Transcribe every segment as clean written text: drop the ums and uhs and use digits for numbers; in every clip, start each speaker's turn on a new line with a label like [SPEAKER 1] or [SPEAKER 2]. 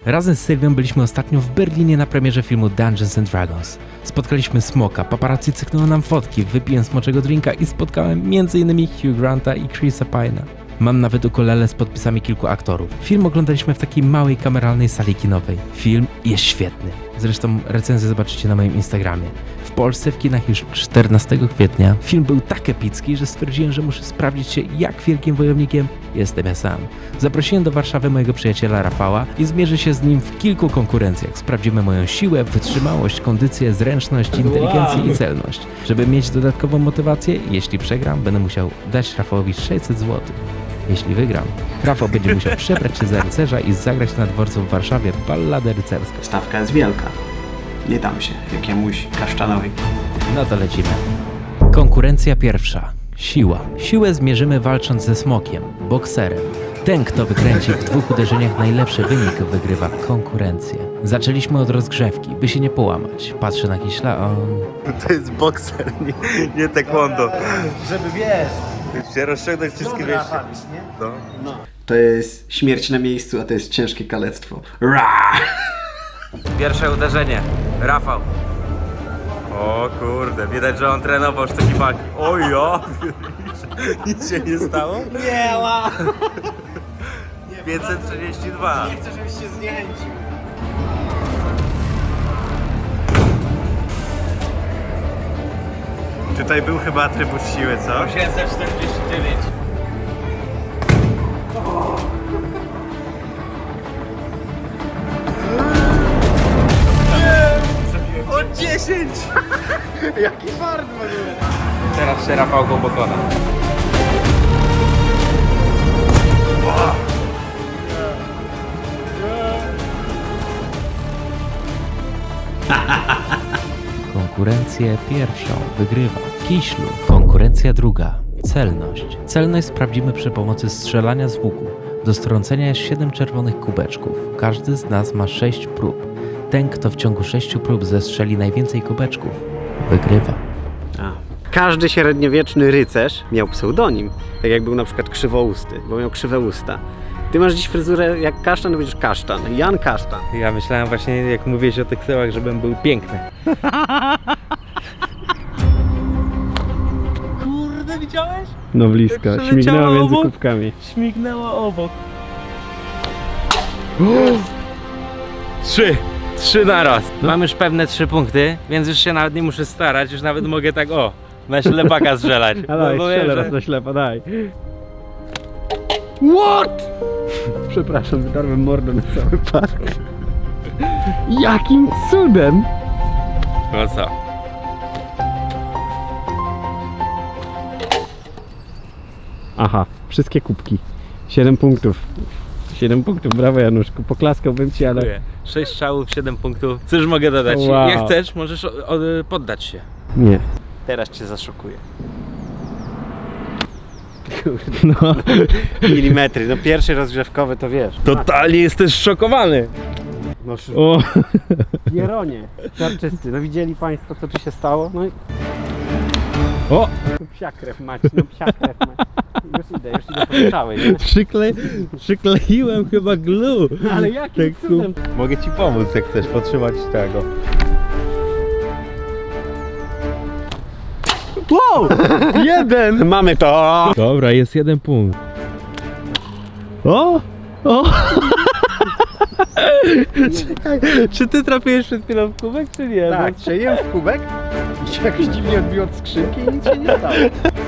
[SPEAKER 1] Razem z Sylwią byliśmy ostatnio w Berlinie na premierze filmu Dungeons and Dragons. Spotkaliśmy Smoka, paparazzi cyknęło nam fotki, wypiłem smoczego drinka i spotkałem m.in. Hugh Granta i Chrisa Pine'a. Mam nawet ukulele z podpisami kilku aktorów. Film oglądaliśmy w takiej małej kameralnej sali kinowej. Film jest świetny. Zresztą recenzję zobaczycie na moim Instagramie. W Polsce w kinach już 14 kwietnia. Film był tak epicki, że stwierdziłem, że muszę sprawdzić się, jak wielkim wojownikiem jestem ja sam. Zaprosiłem do Warszawy mojego przyjaciela Rafała i zmierzę się z nim w kilku konkurencjach. Sprawdzimy moją siłę, wytrzymałość, kondycję, zręczność, inteligencję i celność. Żeby mieć dodatkową motywację, jeśli przegram, będę musiał dać Rafałowi 600 zł. Jeśli wygram, Rafał będzie musiał przebrać się za rycerza i zagrać na dworcu w Warszawie balladę rycerską.
[SPEAKER 2] Stawka jest wielka. Nie dam się jakiemuś kaszczanowi.
[SPEAKER 1] No to lecimy. Konkurencja pierwsza. Siła. Siłę zmierzymy walcząc ze smokiem, bokserem. Ten, kto wykręci w 2 uderzeniach najlepszy wynik, wygrywa konkurencję. Zaczęliśmy od rozgrzewki, by się nie połamać. Patrzę na Kiśla,
[SPEAKER 3] To jest bokser, nie taekwondo.
[SPEAKER 2] Żeby wiesz.
[SPEAKER 3] Się rozciągnąć wszystkie wiesz. No.
[SPEAKER 2] To jest śmierć na miejscu, a to jest ciężkie kalectwo. Ra!
[SPEAKER 1] Pierwsze uderzenie. Rafał.
[SPEAKER 3] O kurde, widać, że on trenował sztuki walki. O ja! Nic się nie stało?
[SPEAKER 2] Nie, ła!
[SPEAKER 3] 532.
[SPEAKER 2] Nie chcę, żebyś się zniechęcił.
[SPEAKER 3] Tutaj był chyba atrybut siły, co?
[SPEAKER 1] 749.
[SPEAKER 3] O 10!
[SPEAKER 2] Jaki fart w ogóle.
[SPEAKER 1] Teraz się Rafał go pokona. Konkurencję pierwszą wygrywa Kiślu. Konkurencja druga. Celność. Celność sprawdzimy przy pomocy strzelania z łuku. Do strącenia jest 7 czerwonych kubeczków. Każdy z nas ma 6 prób. Ten, kto w ciągu 6 prób zestrzeli najwięcej kubeczków, wygrywa.
[SPEAKER 2] Każdy średniowieczny rycerz miał pseudonim. Tak jak był na przykład krzywousty, bo miał krzywe usta. Ty masz dziś fryzurę jak kasztan, to będziesz kasztan. Jan Kasztan.
[SPEAKER 1] Ja myślałem właśnie, jak mówiłeś o tych tyłach, żebym był piękny.
[SPEAKER 3] Kurde, widziałeś?
[SPEAKER 2] No blisko,
[SPEAKER 3] Jak
[SPEAKER 2] śmignęła
[SPEAKER 3] przeleciało
[SPEAKER 2] między
[SPEAKER 3] obok.
[SPEAKER 2] kubkami.
[SPEAKER 3] Śmignęło obok. 3 naraz.
[SPEAKER 1] Mam już pewne 3 punkty, więc już się nawet nie muszę starać, już nawet mogę tak na ślepaka strzelać.
[SPEAKER 2] A daj,
[SPEAKER 1] Bo
[SPEAKER 2] strzelę
[SPEAKER 1] wiem,
[SPEAKER 2] raz na ślepo, daj. What? Przepraszam, wydarłem mordę na cały park. Jakim cudem?
[SPEAKER 1] No co?
[SPEAKER 2] Aha, wszystkie kubki. 7 punktów. 7 punktów, brawo Januszku, poklaskałbym ci, ale...
[SPEAKER 1] 6 strzałów, 7 punktów. Cóż mogę dodać?
[SPEAKER 2] Wow.
[SPEAKER 1] Jak chcesz, możesz poddać się.
[SPEAKER 2] Nie.
[SPEAKER 3] Teraz cię zaszokuję.
[SPEAKER 2] No.
[SPEAKER 3] Milimetry, no pierwszy rozgrzewkowy to wiesz.
[SPEAKER 1] Totalnie jesteś szokowany.
[SPEAKER 2] No,
[SPEAKER 1] O.
[SPEAKER 2] Jeronie, czarczysty, no widzieli państwo co tu się stało? No i...
[SPEAKER 1] O!
[SPEAKER 2] No psia krew mać, no psia krew mać. Już idę po strzały, nie?
[SPEAKER 1] Przykleiłem chyba glue.
[SPEAKER 2] Ale jakim cudem?
[SPEAKER 3] Mogę ci pomóc, jak chcesz potrzymać tego.
[SPEAKER 2] Wow! Jeden! Mamy to!
[SPEAKER 1] Dobra, jest 1 punkt.
[SPEAKER 2] O! O!
[SPEAKER 1] Czekaj, czy ty trafiłeś przed chwilą w kubek, czy nie?
[SPEAKER 2] Tak, strzeliłem w kubek i się jakoś dziwnie odbiło od skrzynki i nic się nie stało.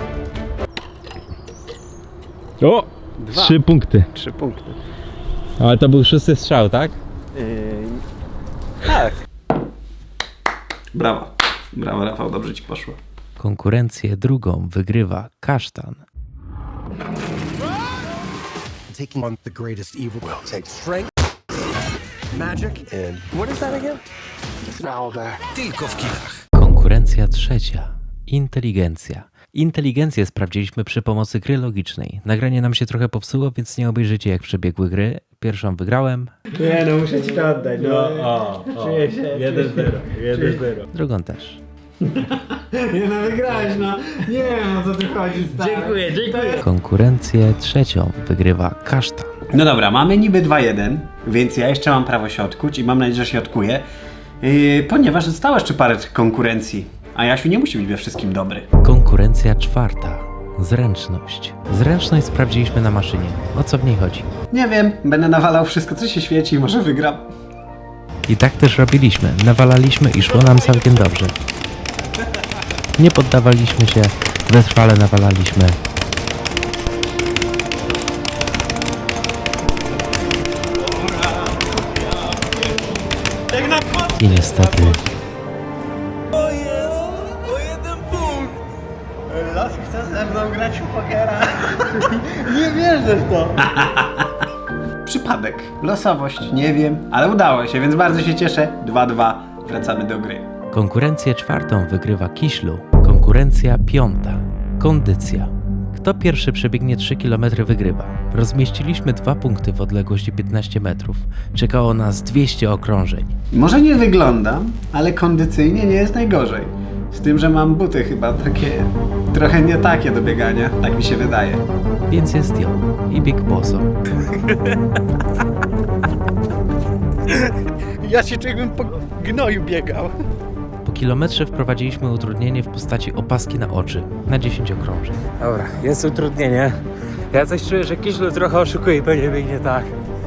[SPEAKER 1] O! 3 punkty.
[SPEAKER 2] 3 punkty.
[SPEAKER 1] Ale to był 6 strzał, tak?
[SPEAKER 2] Tak. Brawo. Brawo Rafał, dobrze ci poszło.
[SPEAKER 1] Konkurencję drugą wygrywa Kasztan.
[SPEAKER 4] Taking on the greatest evil will take strength, magic, and what is that again? It's now there. Tylko w kinach.
[SPEAKER 1] Konkurencja trzecia. Inteligencja. Inteligencję sprawdziliśmy przy pomocy gry logicznej. Nagranie nam się trochę popsuło, więc nie obejrzycie jak przebiegły gry. Pierwszą wygrałem.
[SPEAKER 2] Nie no, muszę ci to oddać. No, czuję się.
[SPEAKER 3] 1-0.
[SPEAKER 1] Drugą też.
[SPEAKER 2] Nie no, wygrałeś, no. Nie wiem o co tu chodzi, stary.
[SPEAKER 3] Dziękuję.
[SPEAKER 1] Konkurencję trzecią wygrywa Kasztan.
[SPEAKER 2] No dobra, mamy niby 2-1, więc ja jeszcze mam prawo się odkuć i mam nadzieję, że się odkuję, ponieważ zostało jeszcze parę konkurencji, a Jasiu nie musi być we wszystkim dobry.
[SPEAKER 1] Konkurencja czwarta. Zręczność. Zręczność sprawdziliśmy na maszynie. O co w niej chodzi?
[SPEAKER 2] Nie wiem, będę nawalał wszystko, co się świeci i może wygram.
[SPEAKER 1] I tak też robiliśmy. Nawalaliśmy i szło nam całkiem dobrze. Nie poddawaliśmy się, wytrwale nawalaliśmy. I niestety
[SPEAKER 2] Los chce ze mną grać w pokera. Nie wierzę w to. Przypadek, losowość, nie wiem, ale udało się, więc bardzo się cieszę. 2-2, wracamy do gry.
[SPEAKER 1] konkurencję czwartą wygrywa Kiślu. Konkurencja piąta. Kondycja. Kto pierwszy przebiegnie 3 km wygrywa. Rozmieściliśmy 2 punkty w odległości 15 metrów. Czekało nas 200 okrążeń.
[SPEAKER 2] Może nie wyglądam, ale kondycyjnie nie jest najgorzej. Z tym, że mam buty chyba takie, trochę nie takie do biegania, tak mi się wydaje.
[SPEAKER 1] Więc jest ją i Big Bosso.
[SPEAKER 2] Ja się czuję, jakbym po gnoju biegał.
[SPEAKER 1] Po kilometrze wprowadziliśmy utrudnienie w postaci opaski na oczy na 10 okrążeń.
[SPEAKER 3] Dobra, jest utrudnienie. Ja coś czuję, że Kiślu trochę oszukuje i pewnie biegnie tak.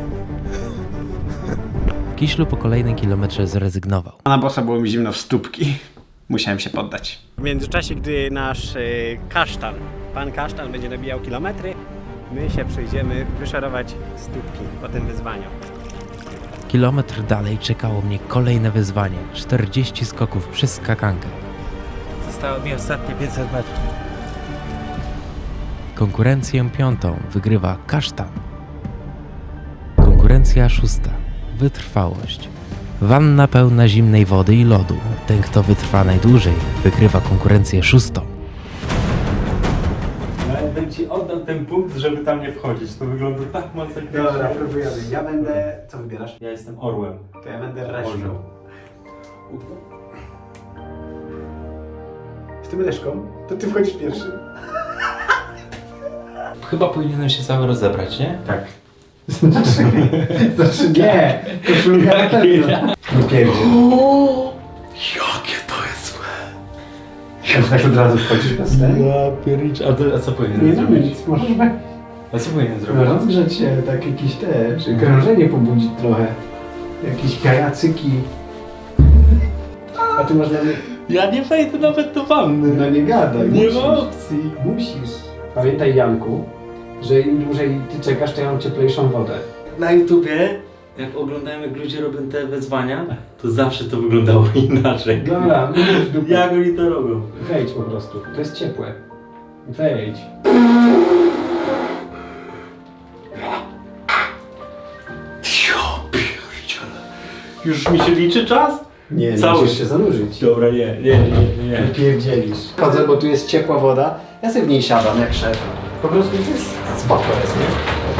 [SPEAKER 1] Kiślu po kolejnym kilometrze zrezygnował.
[SPEAKER 2] Na bossa było mi zimno w stópki. Musiałem się poddać. W międzyczasie, gdy nasz kasztan, pan kasztan będzie nabijał kilometry, my się przyjdziemy wyszarować stópki po tym wyzwaniu.
[SPEAKER 1] Kilometr dalej czekało mnie kolejne wyzwanie. 40 skoków przez skakankę.
[SPEAKER 3] Zostało mi ostatnie 500 metrów.
[SPEAKER 1] Konkurencję piątą wygrywa kasztan. Konkurencja szósta. Wytrwałość. Wanna pełna zimnej wody i lodu. Ten, kto wytrwa najdłużej, wygrywa konkurencję szóstą.
[SPEAKER 3] Ja bym ci oddał ten punkt, żeby tam nie wchodzić. To wygląda tak masakrycznie.
[SPEAKER 2] Dobra, próbujemy. Ja będę... Co wybierasz?
[SPEAKER 3] Ja jestem orłem.
[SPEAKER 2] To ja będę reszką. Jestem reszką? To ty wchodzisz pierwszy.
[SPEAKER 1] Chyba powinienem się cały rozebrać, nie?
[SPEAKER 3] Tak.
[SPEAKER 2] Znaczy nie! Koszulka na pewno. Nie pierdzie.
[SPEAKER 4] Jakie to jest złe.
[SPEAKER 2] Tak od razu wchodzisz bez tego?
[SPEAKER 3] Ja piernicz. A co powinienem
[SPEAKER 2] Nie no
[SPEAKER 3] zrobić?
[SPEAKER 2] nic, możesz be...
[SPEAKER 3] A co powinienem zrobić?
[SPEAKER 2] No, rozgrzać się, tak jakieś te, krążenie pobudzić trochę. Jakieś kajacyki. A ty masz na mnie...
[SPEAKER 3] Ja nie wejdę nawet do wanny.
[SPEAKER 2] No nie gadaj,
[SPEAKER 3] Nie
[SPEAKER 2] musisz.
[SPEAKER 3] ma opcji.
[SPEAKER 2] Musisz. Pamiętaj, Janku, że im dłużej ty czekasz, to ja mam cieplejszą wodę.
[SPEAKER 3] Na YouTubie, jak oglądałem jak ludzie robią te wyzwania, to zawsze to wyglądało inaczej.
[SPEAKER 2] Dobra, musisz dupę.
[SPEAKER 3] Jak oni to robią?
[SPEAKER 2] Wejdź po prostu, to jest ciepłe. Wejdź.
[SPEAKER 3] Już mi się liczy czas?
[SPEAKER 2] Nie,
[SPEAKER 3] Cały.
[SPEAKER 2] musisz się zanurzyć.
[SPEAKER 3] Dobra, nie.
[SPEAKER 2] Pierdzielisz. Chodzę, bo tu jest ciepła woda, ja sobie w niej siadam jak szef. Po prostu to jest spoko jest, nie?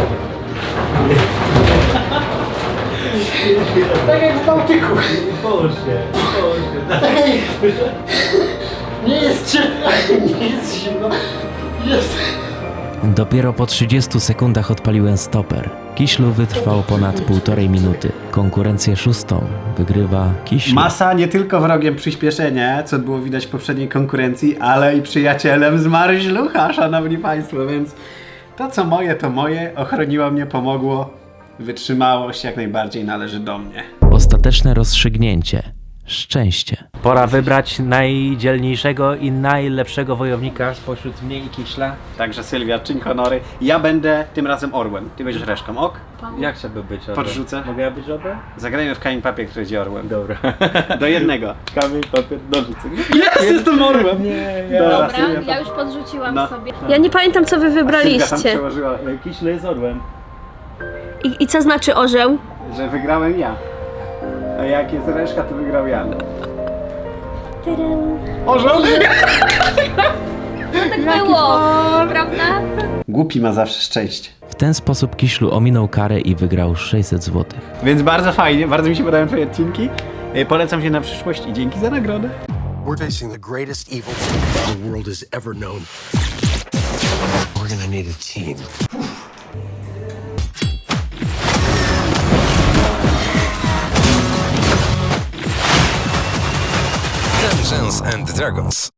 [SPEAKER 2] Tak jak w Bałtyku.
[SPEAKER 3] Boże.
[SPEAKER 2] Tak jak... Nie jest ciepło, nie jest zimno. Jest...
[SPEAKER 1] Dopiero po 30 sekundach odpaliłem stoper. Kiślu wytrwał ponad 1,5 minuty. Konkurencję szóstą wygrywa Kiślu.
[SPEAKER 2] Masa nie tylko wrogiem przyspieszenia, co było widać w poprzedniej konkurencji, ale i przyjacielem z Maryślucha, szanowni państwo, więc to co moje, to moje, ochroniło mnie, pomogło, wytrzymałość jak najbardziej należy do mnie.
[SPEAKER 1] Ostateczne rozstrzygnięcie. Szczęście. Pora wybrać najdzielniejszego i najlepszego wojownika spośród mnie i Kiśla.
[SPEAKER 2] Także Sylwia, czyń honory. Ja będę tym razem orłem, ty będziesz reszką, ok?
[SPEAKER 3] Jak chciałby być orłem?
[SPEAKER 2] Podrzucę.
[SPEAKER 3] Mogę ja być orłem?
[SPEAKER 2] Zagrajmy w kamień papier, który będzie orłem.
[SPEAKER 3] Dobra.
[SPEAKER 2] Do jednego.
[SPEAKER 3] Kamień, papier, nożyce.
[SPEAKER 2] Jest, jestem orłem!
[SPEAKER 3] Nie,
[SPEAKER 2] Dobra,
[SPEAKER 5] Dobra,
[SPEAKER 2] Sylwia,
[SPEAKER 5] ja już podrzuciłam
[SPEAKER 2] No.
[SPEAKER 5] sobie. Ja nie pamiętam, co wy
[SPEAKER 2] Sylwia tam
[SPEAKER 5] wybraliście.
[SPEAKER 2] przełożyła,
[SPEAKER 3] Kiśle jest orłem.
[SPEAKER 5] I co znaczy orzeł?
[SPEAKER 2] że wygrałem ja. A jak jest reszka, to wygrał Jan. Orzeł!
[SPEAKER 5] Tak było, prawda?
[SPEAKER 2] Głupi ma zawsze szczęście.
[SPEAKER 1] W ten sposób Kiślu ominął karę i wygrał 600 zł.
[SPEAKER 2] Więc bardzo fajnie, bardzo mi się podobają twoje odcinki. Polecam się na przyszłość i dzięki za nagrodę.
[SPEAKER 4] We're facing the greatest evil the world has ever known. We're gonna need a team. Dungeons and Dragons.